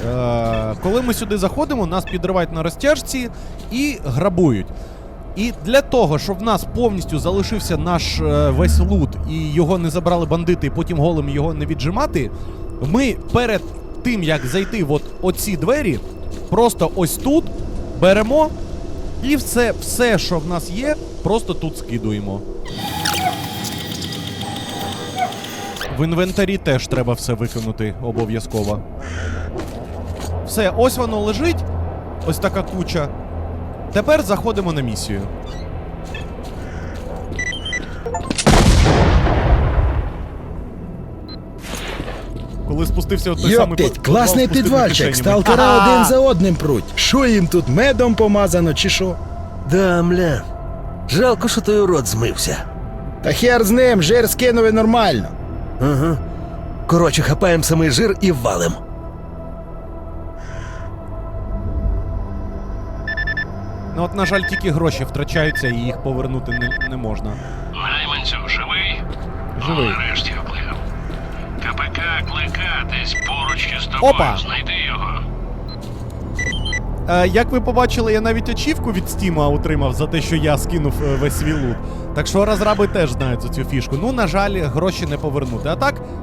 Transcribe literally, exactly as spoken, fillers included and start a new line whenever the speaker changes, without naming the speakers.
Е, коли ми сюди заходимо, нас підривають на розтяжці і грабують. І для того, щоб в нас повністю залишився наш е, весь лут і його не забрали бандити, і потім голим його не віджимати, ми перед тим, як зайти в от оці двері, просто ось тут беремо і все, все, що в нас є, просто тут скидуємо. В інвентарі теж треба все викинути обов'язково. Все, ось воно лежить, ось така куча. Тепер заходимо на місію. Коли спустився от той самий
Йоптить,
підвал з
класний
пустими
підвальчик,
кишенями.
сталкера
Ага!
один за одним пруть. Що їм тут, медом помазано чи що?
Да, мля. Жалко, що той урод змився.
Та хер з ним, жир скинули нормально.
Ага. Коротше, хапаємо самий жир і валим.
Ну от, на жаль, тільки гроші втрачаються і їх повернути не, не можна.
Найманцю, живий?
Живий.
О, нарешті вплив. КПК Клика десь поруч із тобою.
Опа!
Знайди його.
Е, як ви побачили, я навіть ачівку від Стіма отримав за те, що я скинув е, весь свій лут. Так що розраби теж знають за цю фішку. Ну, на жаль, гроші не повернути. А так,